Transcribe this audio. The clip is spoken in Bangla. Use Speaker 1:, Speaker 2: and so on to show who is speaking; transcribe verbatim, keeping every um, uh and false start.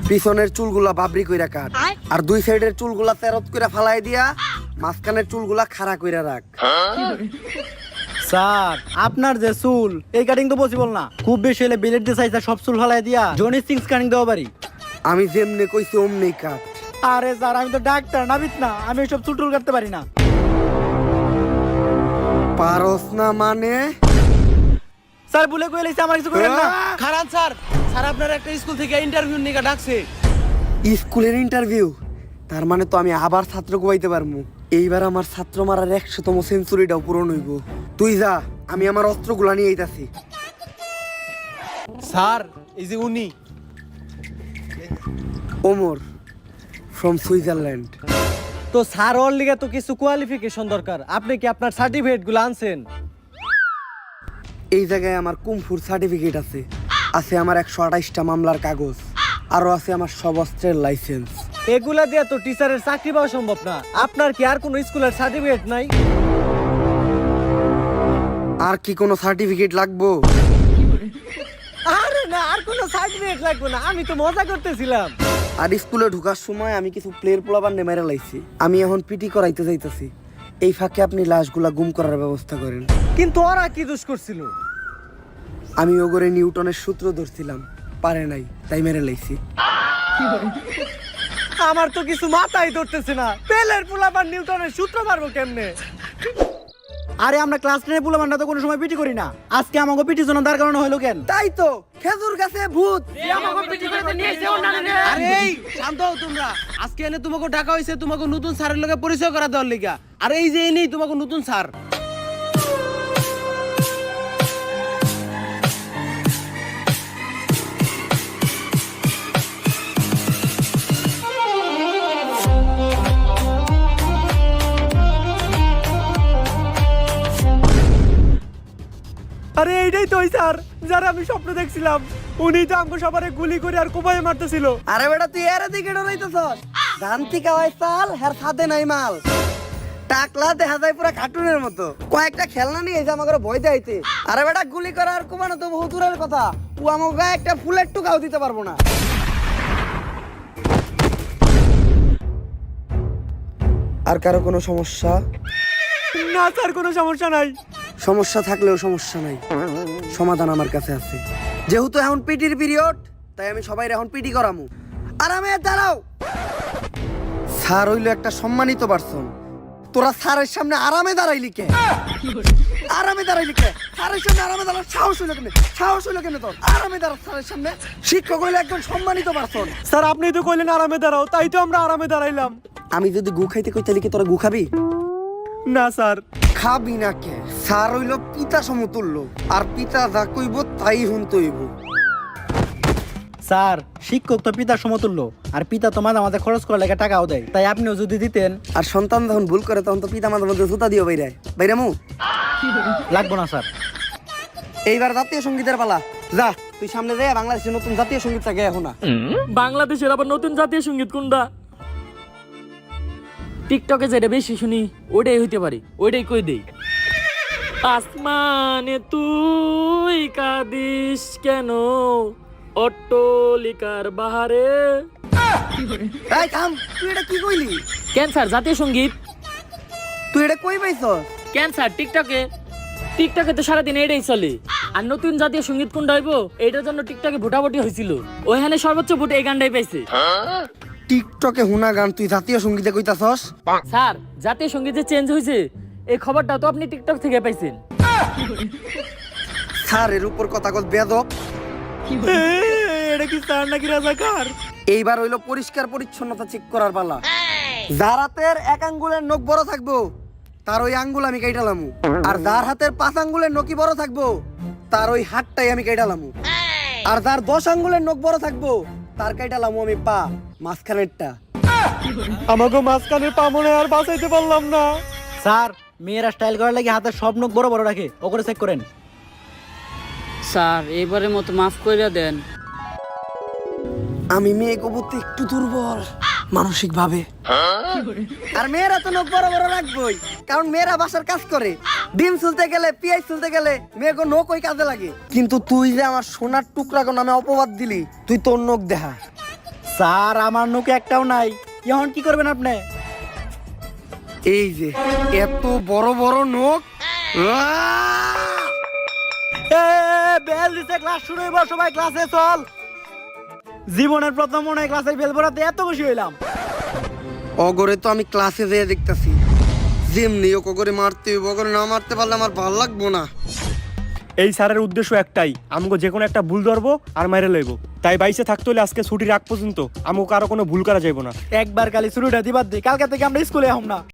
Speaker 1: পিছনের চুলগুলা বাবরি কইরা কাট, আর দুই সাইডের চুলগুলা তেরত কইরা ফালাই দিয়া মাঝখানের চুলগুলা খাড়া কইরা রাখ।
Speaker 2: স্যার আপনার যে চুল এই কাটিং তো পসিবল না, খুব বেশি হলে বিলেট দিয়ে সাইজ সব চুল ফালাই দিয়া জনি সিক্স কাটিং দেওয়া পারি।
Speaker 1: আমি যেমনে কইছি অমনি কাট।
Speaker 2: আরে স্যার আমি তো ডাক্তার নাবিত না, আমি সব চুল টুল কাটতে পারি না।
Speaker 1: পারস না মানে?
Speaker 2: স্যার ভুলে কই লাইছে, আমার কিছু করেন না।
Speaker 3: খারান স্যার, স্যার আপনার একটা স্কুল থেকে ইন্টারভিউ নিয়ে ডাকছে।
Speaker 1: স্কুলের ইন্টারভিউ? তার মানে তো আমি আবার ছাত্র কোয়াইতে পারমু। এইবার আমার ছাত্র মারার একশোতম সেঞ্চুরিটাও পূরণ হইব। তুই যা, আমি আমার অস্ত্রগুলা নিয়ে আইতাছি।
Speaker 3: স্যার এই যে উনি
Speaker 1: ওমর ফ্রম সুইজারল্যান্ড।
Speaker 2: তো স্যার ওর লিগে তো কিছু কোয়ালিফিকেশন দরকার, আপনি কি আপনার সার্টিফিকেট গুলো আনছেন?
Speaker 1: এই জায়গায় আমার কুমফুর সার্টিফিকেট আছে, আছে আমার একশো আঠাইশটা মামলার কাগজ, আরো আছে আমার সব অস্ত্রের লাইসেন্স।
Speaker 2: এগুলা দিয়ে তো টিচারের চাকরি পাওয়া সম্ভব না। আপনার কি আর কোনো স্কুলের সার্টিফিকেট নাই?
Speaker 1: আর কি কোনো সার্টিফিকেট লাগবো?
Speaker 2: আরে না, আর কোনো সার্টিফিকেট লাগবে না, আমি তো মজা করতেছিলাম।
Speaker 1: আর স্কুলে ঢোকার সময় আমি কিছু প্লেয়ার পোলাবার নেমেরা লাইছি, আমি এখন পিটি করাইতে যাইতেছি। এই ফাঁকে আপনি লাশগুলা গুম করার ব্যবস্থা করেন।
Speaker 2: কিন্তু ওরা কি দোষ করছিল?
Speaker 1: আমি ওগরে নিউটনের সূত্র ধরছিলাম, পারে নাই, তাই মেরে লাইছি।
Speaker 2: আমার তো কিছু মাথায় ধরতেছে না, পেলের পোলাপান নিউটনের সূত্র মারবো কেমনে? আরে আমরা ক্লাস টেনের পোলাপানটা তো কোনো সময় পিটি করি না, আজকে আমাকে পিটি জন্য দাঁড় করানো হলো কেন?
Speaker 1: তাই তো খেজুর গাছে ভূত।
Speaker 3: আরে এই শান্ত হও তোমরা। আজকে এনে তোমাকে ডাকা হয়েছে তোমাকে নতুন স্যারের লগে পরিচয় করা দেওয়ার লিগা। আর এই যে এনেই তোমাকে নতুন স্যার।
Speaker 2: আরে এইটাই তো ওই স্যার যারা আমি স্বপ্ন দেখছিলাম, উনি তো আমাকে সবারে গুলি করে আর কোপায় মারতেছিল।
Speaker 1: আরে বেটা তুই এর দিকে ডরাইতেছস? জানতি কাওয়াই সাল হের সাথে নাই মাল। টাকলা দেখা যায় পুরো কার্টুনের মতো, কয়েকটা খেলনা নিয়ে এসে আমাকে ভয় দেখাইতে। আরে বেটা গুলি করার কোপানো তো বহু দূরের কথা, ও আমাকে গায়ে একটা ফুলের টুকাও দিতে পারবো না। আর কারো কোনো সমস্যা?
Speaker 2: না স্যার, কোনো সমস্যা নাই।
Speaker 1: সমস্যা থাকলেও সমস্যা নাই, সমাধান আমার কাছে আছে। যেহেতু এখন পিটির পিরিয়ড, তাই আমি সবাই এখন পিটি করামু। আরামে দাঁড়াও। স্যার হইলো একটা সম্মানিত পারসন, তোরা স্যারের সামনে আরামে দাঁড়াইলি কে? আরামে দাঁড়াইলি কে? স্যারের সামনে আরামে দাঁড়ার সাহস হইলো কেন? সাহস হইলো কেন তোর? আরামে দাঁড়া স্যারের সামনে। শিক্ষক হইলো একজন সম্মানিত পারসন।
Speaker 2: স্যার আপনি তো কইলেন আরামে দাঁড়াও, তাই তো আমরা আরামে দাঁড়াইলাম।
Speaker 1: আমি যদি গু খাইতে কই তাহলে কি তোরা গু খাবি?
Speaker 2: না স্যার।
Speaker 1: খাবি না কে? স্যার হইলো পিতা সমতুল্য, আর পিতা যা কইব তাই শুনতে হইব।
Speaker 2: স্যার শিক্ষক তো পিতার সমতুল্য, আর পিতা তো মাঝে মাঝে খরচ করার লেগে টাকাও দেয়, তাই আপনিও যদি দিতেন।
Speaker 1: আর সন্তান যখন ভুল করে তখন তো পিতা মাঝে মধ্যে জুতা দিও বাইরে বাইরামু।
Speaker 2: লাগবো না স্যার।
Speaker 1: এইবার জাতীয় সঙ্গীতের পালা, যা তুই সামনে যা। বাংলাদেশের নতুন জাতীয় সঙ্গীত থাকে এখন না।
Speaker 4: বাংলাদেশের আবার নতুন জাতীয় সঙ্গীত কোনটা? টিকটকে যেটা বেশি শুনি ওইটাই হইতে পারে, ওইটাই কই দেই। আসমানে তুই কাঁদিস কেন, অট্টলিকার বাহারে।
Speaker 1: এই থাম, তুই এটা কি কইলি?
Speaker 4: ক্যান্সার জাতীয় সঙ্গীত।
Speaker 1: তুই এটা কই পাইছস?
Speaker 4: ক্যান্সার টিকটকে, টিকটকে তো সারাদিন এটাই চলে। আর নতুন জাতীয় সঙ্গীত কোনটা হইব এইটার জন্য টিকটকে ভোটাভুটি হয়েছিল, ওইখানে সর্বোচ্চ ভোট এই গানটাই পাইছে।
Speaker 1: টিকটকে হুনা গান তুই জাতীয় সঙ্গীতে কইতাছস?
Speaker 4: স্যার জাতীয় সঙ্গীত যে চেঞ্জ হয়েছে এই খবরটা তো আপনি টিকটক থেকে পাইছেন।
Speaker 1: স্যার এর উপর কথা কল বেদব।
Speaker 2: এটা কি স্যার নাকি রাজাকার?
Speaker 1: এইবার হইলো পরিষ্কার পরিচ্ছন্নতা চেক করার পালা। যার হাতের এক আঙ্গুলের নখ বড় থাকবো তার ওই আঙ্গুল আমি কাইটালামু, আর যার হাতের পাঁচ আঙ্গুলের নখই বড় থাকবো তার ওই হাতটাই আমি কাইটালামু, আর যার দশ আঙ্গুলের নখ বড় থাকবো তার কাইটালামু আমি পা মাঝখানেরটা।
Speaker 2: আমাকে মাঝখানে পা মনে আর বাঁচাইতে পারলাম না। স্যার মেয়েরা স্টাইল করার লাগে হাতের সব নখ বড় বড় রাখে, ওগুলো চেক করেন।
Speaker 4: স্যার এবারের মতো মাফ কইরা দেন।
Speaker 1: আমি মেয়ে কবুতে একটু দুর্বল মানসিক ভাবে। আর মেয়েরা তো নখ বড় বড় রাখবই, কারণ মেয়েরা বাসার কাজ করে। ডিম চুলতে গেলে, পেঁয়াজ চুলতে গেলে মেয়েকে নখ ওই কাজে লাগে। কিন্তু তুই যে আমার সোনার টুকরা নামে অপবাদ দিলি, তুই তোর নখ দেখা।
Speaker 2: স্যার আমার নোকে একটাও নাই এখন কি করবেন আপনি?
Speaker 1: এই যে এত বড় বড় নোক, আহ!
Speaker 2: এ বেল দিছে, ক্লাস শুরু হইব, সবাই ক্লাসে চল। জীবনের প্রথম মনে হয় ক্লাসের বেল পড়াতে এত খুশি হইলাম।
Speaker 1: অগরে তো আমি ক্লাসে যেয়ে দেখতাছি, যেমনি ও করে মারতে হইব, অগরে না মারতে পারলে আমার ভাল লাগবো না।
Speaker 5: এই স্যারের উদ্দেশ্য একটাই, আমাকে যে কোনো একটা ভুল ধরবো আর মাইরে লইব। তাই বাইসে থাকতে হলে আজকে ছুটির আগ পর্যন্ত আমাকে কারো কোনো ভুল করা যাইব না।
Speaker 2: একবার খালি শুরুটা দিবার দি, কালকে থেকে আমরা স্কুলে আহম না।